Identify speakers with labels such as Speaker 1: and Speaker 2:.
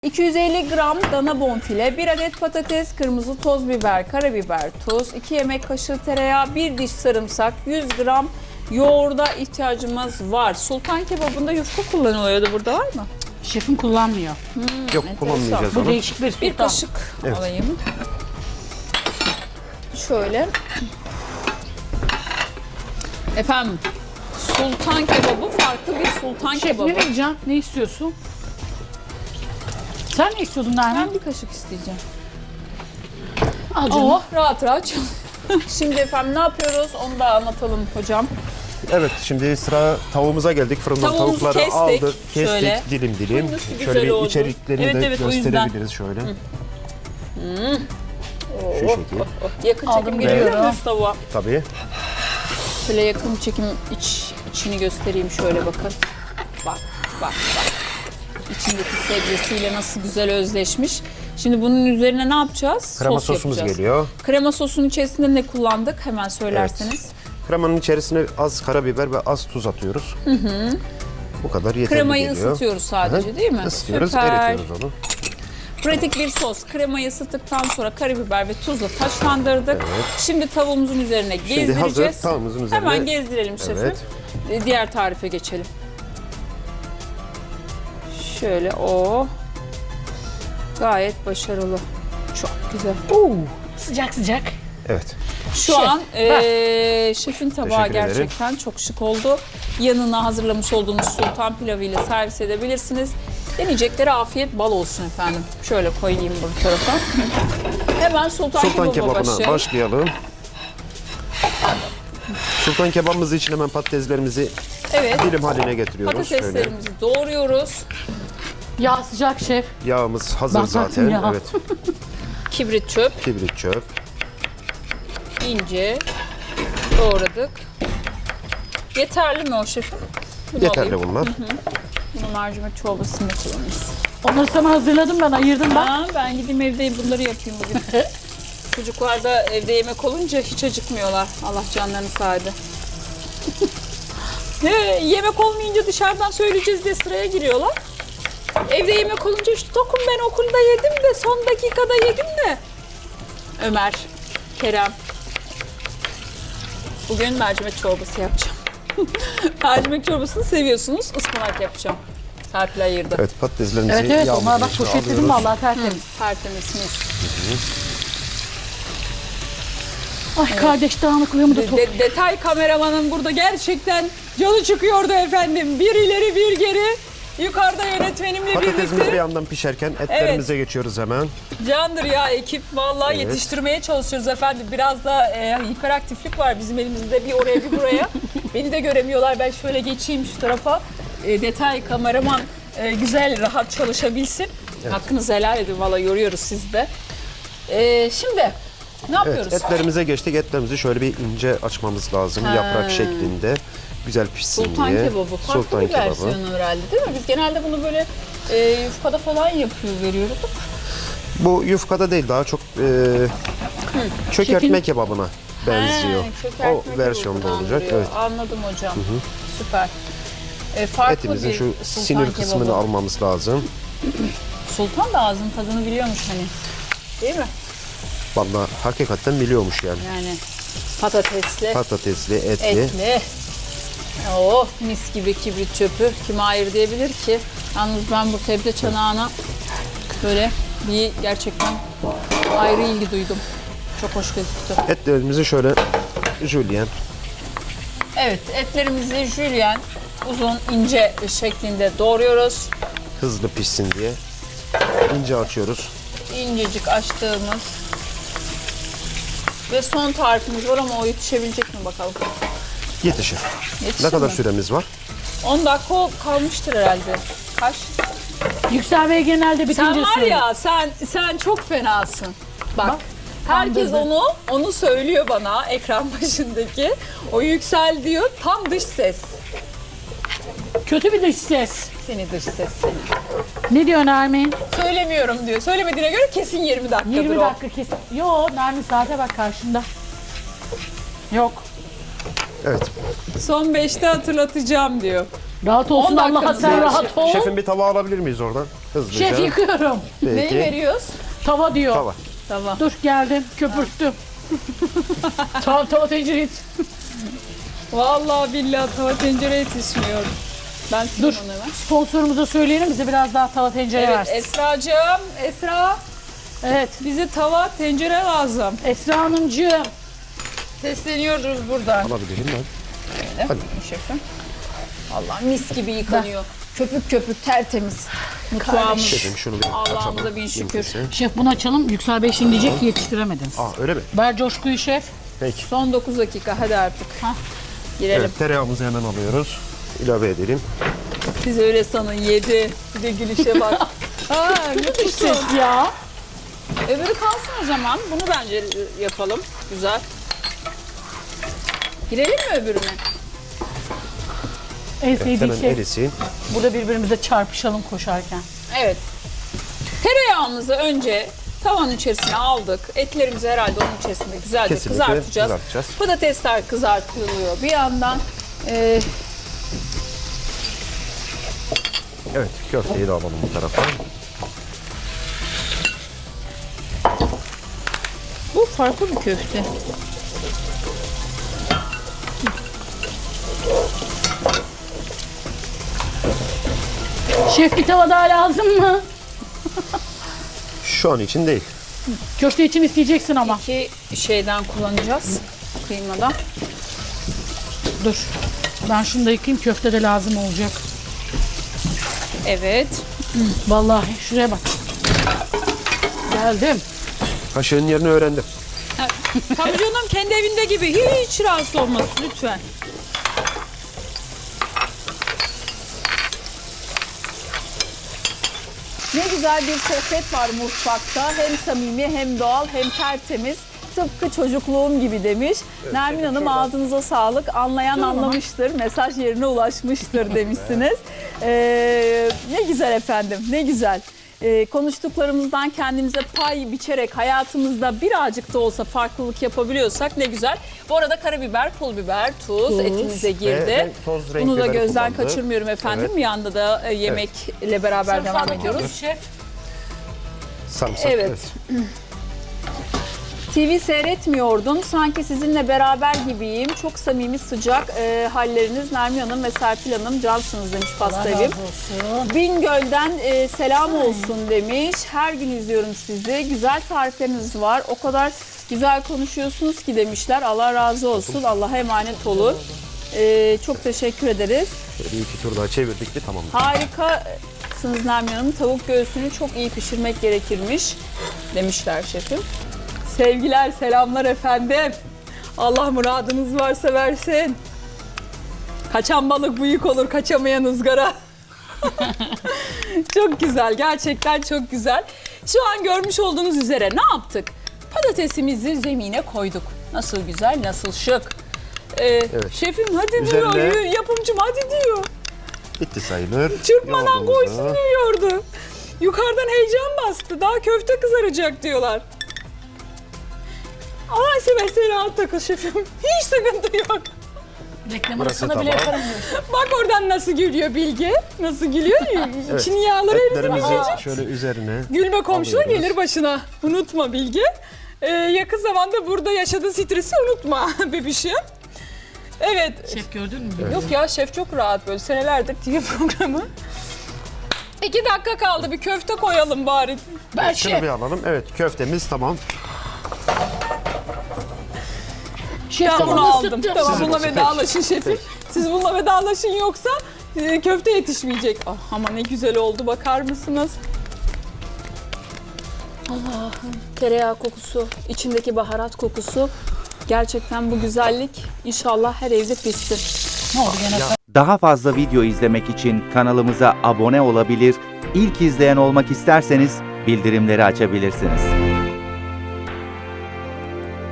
Speaker 1: 250 gram dana bonfile, 1 adet patates, kırmızı toz biber, karabiber, tuz, 2 yemek kaşığı tereyağı, 1 diş sarımsak, 100 gram yoğurda ihtiyacımız var. Sultan kebabında yufka kullanılıyordu. Burada var mı?
Speaker 2: Şefim kullanmıyor.
Speaker 3: Yok, kullanmayacağız
Speaker 2: Bu
Speaker 3: onu.
Speaker 2: değişik bir sultan.
Speaker 1: Bir kaşık
Speaker 3: Evet.
Speaker 1: alayım. Şöyle. Efendim, sultan kebabı farklı bir sultan
Speaker 2: Şef
Speaker 1: kebabı.
Speaker 2: ne vereceğim? Ne istiyorsun? Sen ne istiyordun Nermin?
Speaker 1: Ben bir kaşık isteyeceğim.
Speaker 2: Al canım.
Speaker 1: Oh, rahat rahat çalış. Şimdi efendim ne yapıyoruz onu da anlatalım hocam.
Speaker 3: Evet, şimdi sıra tavuğumuza geldik. Fırından
Speaker 1: Tavuğumuzu
Speaker 3: tavukları
Speaker 1: kestik.
Speaker 3: aldık, kestik
Speaker 1: Şöyle.
Speaker 3: dilim dilim.
Speaker 1: Nasıl güzel
Speaker 3: Şöyle bir
Speaker 1: oldu.
Speaker 3: içeriklerini
Speaker 1: Evet,
Speaker 3: de
Speaker 1: evet, o yüzden.
Speaker 3: gösterebiliriz şöyle. Şu şekil.
Speaker 1: Yakın
Speaker 2: Aldım,
Speaker 1: çekim geliyor
Speaker 2: geliyorum.
Speaker 1: mu tavuğa?
Speaker 3: Tabii.
Speaker 1: Şöyle yakın çekim içini göstereyim şöyle bakın. Bak bak. İçindeki sebzesiyle nasıl güzel özleşmiş. Şimdi bunun üzerine ne yapacağız?
Speaker 3: Krema
Speaker 1: Sos
Speaker 3: sosumuz
Speaker 1: yapacağız.
Speaker 3: geliyor.
Speaker 1: Krema sosunun içerisinde ne kullandık? Hemen söylerseniz.
Speaker 3: Kremanın içerisine az karabiber ve az tuz atıyoruz. Bu kadar yeterli
Speaker 1: Kremayı
Speaker 3: geliyor.
Speaker 1: ısıtıyoruz sadece
Speaker 3: Hı.
Speaker 1: değil mi?
Speaker 3: Isıtıyoruz,
Speaker 1: Süper.
Speaker 3: eritiyoruz onu.
Speaker 1: Pratik bir sos. Kremayı ısıttıktan sonra karabiber ve tuzla taşlandırdık. Şimdi tavuğumuzun üzerine
Speaker 3: Şimdi
Speaker 1: gezdireceğiz.
Speaker 3: hazır tavuğumuzun üzerine.
Speaker 1: Hemen gezdirelim şefim.
Speaker 3: Evet.
Speaker 1: Diğer tarife geçelim. Şöyle o. Gayet başarılı. Çok güzel.
Speaker 2: Oo, sıcak sıcak.
Speaker 3: Evet.
Speaker 1: Şu
Speaker 2: Şef,
Speaker 1: an şefin tabağı
Speaker 3: Teşekkür ederim.
Speaker 1: gerçekten çok şık oldu. Yanına hazırlamış olduğunuz sultan pilavıyla servis edebilirsiniz. Deneyeceklere afiyet bal olsun efendim. Şöyle koyayım bu tarafa. Hemen sultan
Speaker 3: Kebabına başlayalım. Sultan kebabımız için hemen patateslerimizi
Speaker 1: Evet.
Speaker 3: dilim haline getiriyoruz. Şöyle.
Speaker 1: Patateslerimizi doğruyoruz.
Speaker 2: Yağ sıcak şef.
Speaker 3: Yağımız hazır
Speaker 2: Bak,
Speaker 3: zaten.
Speaker 2: ya.
Speaker 3: Evet.
Speaker 1: Kibrit çöp.
Speaker 3: Kibrit çöp.
Speaker 1: İnce doğradık. Yeterli mi o şefim? Bunu
Speaker 3: Yeterli
Speaker 1: alayım.
Speaker 3: bunlar.
Speaker 1: Bunu mercimek çorbasında kullanırız.
Speaker 2: Onları sana hazırladım ben, ayırdım ben.
Speaker 1: Ben gideyim evde bunları yapayım bugün. Çocuklar da evde yemek olunca hiç acıkmıyorlar. Allah canlarını sağdı. Yemek olmayınca dışarıdan söyleyeceğiz diye sıraya giriyorlar. Evde yemek olunca işte tokum ben okulda yedim de son dakikada yedim de. Ömer, Kerem. Bugün mercimek çorbası yapacağım. Mercimek çorbasını seviyorsunuz. Ispanak yapacağım. Serpil ayırdı.
Speaker 3: Evet, patateslerimizi
Speaker 2: Evet evet,
Speaker 3: yağımızın
Speaker 2: onlara bak
Speaker 3: içine
Speaker 2: poşetledim
Speaker 3: alıyoruz.
Speaker 2: vallahi tertemiz.
Speaker 1: Tertemiz mis.
Speaker 2: Ay kardeş dağınıklığımı da topla.
Speaker 1: Detay kameramanın burada gerçekten canı çıkıyordu efendim. Bir ileri bir geri. Yukarıda yönetmenimle
Speaker 3: Patatesimiz bir
Speaker 1: birlikte.
Speaker 3: yandan pişerken etlerimize geçiyoruz hemen.
Speaker 1: Candır ya ekip. Vallahi
Speaker 3: Evet.
Speaker 1: yetiştirmeye çalışıyoruz efendim. Biraz da hiperaktiflik var bizim elimizde. Bir oraya bir buraya. Beni de göremiyorlar. Ben şöyle geçeyim şu tarafa. Detay kameraman güzel rahat çalışabilsin. Hakkınızı helal edin. Vallahi yoruyoruz sizi de. Şimdi ne yapıyoruz?
Speaker 3: Evet, etlerimize geçtik. Etlerimizi şöyle bir ince açmamız lazım. Yaprak şeklinde. Güzel pişsin
Speaker 1: Sultan
Speaker 3: diye.
Speaker 1: kebabı. Farklı bir versiyonu herhalde değil mi? Biz genelde bunu böyle yufkada falan yapıyor veriyoruz.
Speaker 3: Bu yufkada değil, daha çok çökertme kebabına benziyor. O versiyonda olacak. Evet.
Speaker 1: Anladım hocam. Süper. Farklı
Speaker 3: Etimizin
Speaker 1: bir
Speaker 3: şu
Speaker 1: sultan
Speaker 3: sinir
Speaker 1: kebabı.
Speaker 3: kısmını almamız lazım.
Speaker 1: Sultan da ağzın tadını biliyormuş hani. Değil mi?
Speaker 3: Vallahi hakikaten biliyormuş yani.
Speaker 1: Yani patatesli,
Speaker 3: Patatesli, etli.
Speaker 1: etli. Oh mis gibi kibrit çöpü. Kim hayır diyebilir ki? Yalnız ben bu sebze çanağına böyle bir gerçekten ayrı ilgi duydum. Çok hoş gözüktü.
Speaker 3: Etlerimizi şöyle jülyen.
Speaker 1: Evet, etlerimizi jülyen uzun ince şeklinde doğruyoruz.
Speaker 3: Hızlı pişsin diye ince açıyoruz.
Speaker 1: İncecik açtığımız ve son tarifimiz var ama o yetişebilecek mi bakalım.
Speaker 3: Yetişir.
Speaker 1: Yetişir
Speaker 3: Ne kadar
Speaker 1: mi?
Speaker 3: süremiz var?
Speaker 1: 10 dakika kalmıştır herhalde. Kaç?
Speaker 2: Yüksel Bey genelde bitince
Speaker 1: Sen var
Speaker 2: söylüyor.
Speaker 1: ya sen çok fenasın. Bak. Herkes
Speaker 2: kandırdı.
Speaker 1: onu söylüyor bana ekran başındaki. O yüksel diyor tam dış ses.
Speaker 2: Kötü bir dış ses.
Speaker 1: Seni dış ses seni.
Speaker 2: Ne diyor Nermin?
Speaker 1: Söylemiyorum diyor. Söylemediğine göre kesin 20 dakikadır
Speaker 2: 20
Speaker 1: o.
Speaker 2: dakika kesin. Yo Nermin saate bak karşında. Yok.
Speaker 3: Evet.
Speaker 1: Son 5'te hatırlatacağım diyor.
Speaker 2: Rahat olsun
Speaker 1: 10
Speaker 2: Allah'a
Speaker 1: dakikamız
Speaker 2: sen
Speaker 1: var.
Speaker 2: rahat ol.
Speaker 3: Şefim bir tava alabilir miyiz oradan? Hızlıca.
Speaker 2: Şef yıkıyorum.
Speaker 1: Neyi
Speaker 3: Peki.
Speaker 1: veriyoruz?
Speaker 2: Tava diyor.
Speaker 3: Tava.
Speaker 1: Tamam.
Speaker 2: Dur geldim köpürttüm. Tava tencereyi.
Speaker 1: Vallahi billahi tava tencere yetişmiyor. Ben
Speaker 2: Dur.
Speaker 1: sileyim onu hemen.
Speaker 2: Sponsorumuza söyleyelim bize biraz daha tava tencere
Speaker 1: Evet
Speaker 2: versin.
Speaker 1: Esra'cığım, Esra
Speaker 2: Evet.
Speaker 1: bize tava tencere lazım.
Speaker 2: Esra Hanımcığım.
Speaker 1: Sesleniyoruz buradan.
Speaker 3: Alabilirim ben.
Speaker 1: Öyle.
Speaker 3: Hadi.
Speaker 1: Şefim. Allah mis gibi yıkanıyor. Köpük köpük tertemiz. Mutfağımız.
Speaker 3: Şefim şunu bir
Speaker 1: Allah'ımıza
Speaker 3: açalım.
Speaker 1: bin şükür.
Speaker 3: mümkünse.
Speaker 2: Şef bunu açalım. Yüksel Bey şimdi diyecek ki yetiştiremediniz.
Speaker 3: Öyle mi?
Speaker 2: Ver coşkuyu şef.
Speaker 3: Peki.
Speaker 1: Son 9 dakika hadi artık.
Speaker 2: Hah.
Speaker 1: Girelim.
Speaker 3: Evet, tereyağımızı hemen alıyoruz. İlave edelim.
Speaker 1: Siz öyle sanın yedi. Bir de gülüşe bak. Ha,
Speaker 2: Dış ses ya.
Speaker 1: öbürü kalsın o zaman. Bunu bence yapalım. Güzel. Girelim mi öbürüne?
Speaker 2: En sevdiği
Speaker 3: Hemen
Speaker 2: şey.
Speaker 3: erisin.
Speaker 2: Burada birbirimize çarpışalım koşarken.
Speaker 1: Evet. Tereyağımızı önce tavanın içerisine aldık. Etlerimizi herhalde onun içerisinde güzelce
Speaker 3: Kesinlikle
Speaker 1: kızartacağız.
Speaker 3: kızartacağız.
Speaker 1: Patatesler kızartılıyor. Bir yandan
Speaker 3: Evet, köfteyi de alalım bu tarafa.
Speaker 1: bu farklı bir köfte.
Speaker 2: Şef bir tava daha lazım mı?
Speaker 3: Şu an için değil.
Speaker 2: Köfte için isteyeceksin ama.
Speaker 1: İki şeyden kullanacağız. Kıymadan.
Speaker 2: Dur. Ben şunu da yıkayayım köfte de lazım olacak.
Speaker 1: Evet.
Speaker 2: Vallahi şuraya bak. Geldim.
Speaker 3: Kaşığın yerini öğrendim.
Speaker 1: Tabii canım kendi evinde gibi. Hiç rahatsız olmasın lütfen. Ne güzel bir sohbet var mutfakta. Hem samimi hem doğal hem tertemiz. Tıpkı çocukluğum gibi demiş. Nermin Hanım ağzınıza sağlık. Anlayan anlamıştır. Mesaj yerine ulaşmıştır demişsiniz. Ne güzel efendim, ne güzel. Konuştuklarımızdan kendimize pay biçerek hayatımızda birazcık da olsa farklılık yapabiliyorsak ne güzel. Bu arada karabiber, pul biber, tuz etimize girdi.
Speaker 3: Ve toz renk
Speaker 1: Bunu da
Speaker 3: biberi
Speaker 1: gözden
Speaker 3: kullandı.
Speaker 1: kaçırmıyorum efendim.
Speaker 3: Evet.
Speaker 1: Yanda da yemekle beraber devam ediyoruz.
Speaker 2: Şef.
Speaker 3: Sarımsak.
Speaker 1: Evet. TV seyretmiyordum. Sanki sizinle beraber gibiyim. Çok samimi sıcak halleriniz Nermin Hanım ve Serpil Hanım cansınız demiş pasta evim.
Speaker 2: Olsun.
Speaker 1: Bingöl'den selam olsun demiş. Her gün izliyorum sizi. Güzel tarifleriniz var. O kadar güzel konuşuyorsunuz ki demişler. Allah razı olsun. Allah'a emanet olun. Çok teşekkür ederiz.
Speaker 3: Şöyle bir iki tur daha çevirdik mi tamam.
Speaker 1: Harikasınız Nermin Hanım. Tavuk göğsünü çok iyi pişirmek gerekirmiş demişler şefim. Sevgiler, selamlar efendim. Allah muradınız varsa versin. Kaçan balık büyük olur, kaçamayan ızgara. Çok güzel, gerçekten çok güzel. Şu an görmüş olduğunuz üzere ne yaptık? Patatesimizi zemine koyduk. Nasıl güzel, nasıl şık. Şefim hadi
Speaker 3: Üzerine-
Speaker 1: diyor, yapımcım hadi diyor.
Speaker 3: Bitti sayılır.
Speaker 1: Çırpmadan
Speaker 3: Yoğurdumuzu-
Speaker 1: koysun diyordu. Yukarıdan heyecan bastı. Daha köfte kızaracak diyorlar. Allah seversen rahat takıl şefim. Hiç sıkıntı yok.
Speaker 2: Reklam
Speaker 3: Burası
Speaker 2: arasında bile
Speaker 3: tamam.
Speaker 2: yaparım.
Speaker 1: Bak oradan nasıl gülüyor Bilge. Nasıl gülüyor. İçin yağları
Speaker 3: Etlerimizi
Speaker 1: erimeyecek.
Speaker 3: şöyle üzerine
Speaker 1: Gülme komşuna
Speaker 3: alıyoruz.
Speaker 1: gelir başına. Unutma Bilge. Yakın zamanda burada yaşadığı stresi unutma bebişim. Evet.
Speaker 2: Şef gördün mü?
Speaker 1: Yok ya şef çok rahat böyle senelerdir TV programı. 2 dakika kaldı bir köfte koyalım bari.
Speaker 2: Ben
Speaker 3: şunu
Speaker 2: şef.
Speaker 3: bir alalım. Evet, köftemiz tamam.
Speaker 2: Şef
Speaker 1: Ben bunu
Speaker 2: tavanı
Speaker 1: aldım.
Speaker 2: ısıttım.
Speaker 1: Tamam
Speaker 3: Sizin
Speaker 1: bununla
Speaker 3: olsun,
Speaker 1: vedalaşın şefim. Siz bununla vedalaşın yoksa köfte yetişmeyecek. Ah, ama ne güzel oldu bakar mısınız? Allah'ım tereyağı kokusu, içindeki baharat kokusu. Gerçekten bu güzellik inşallah her evde pişsin.
Speaker 2: Ne oldu gene?
Speaker 4: Daha fazla video izlemek için kanalımıza abone olabilir, ilk izleyen olmak isterseniz bildirimleri açabilirsiniz.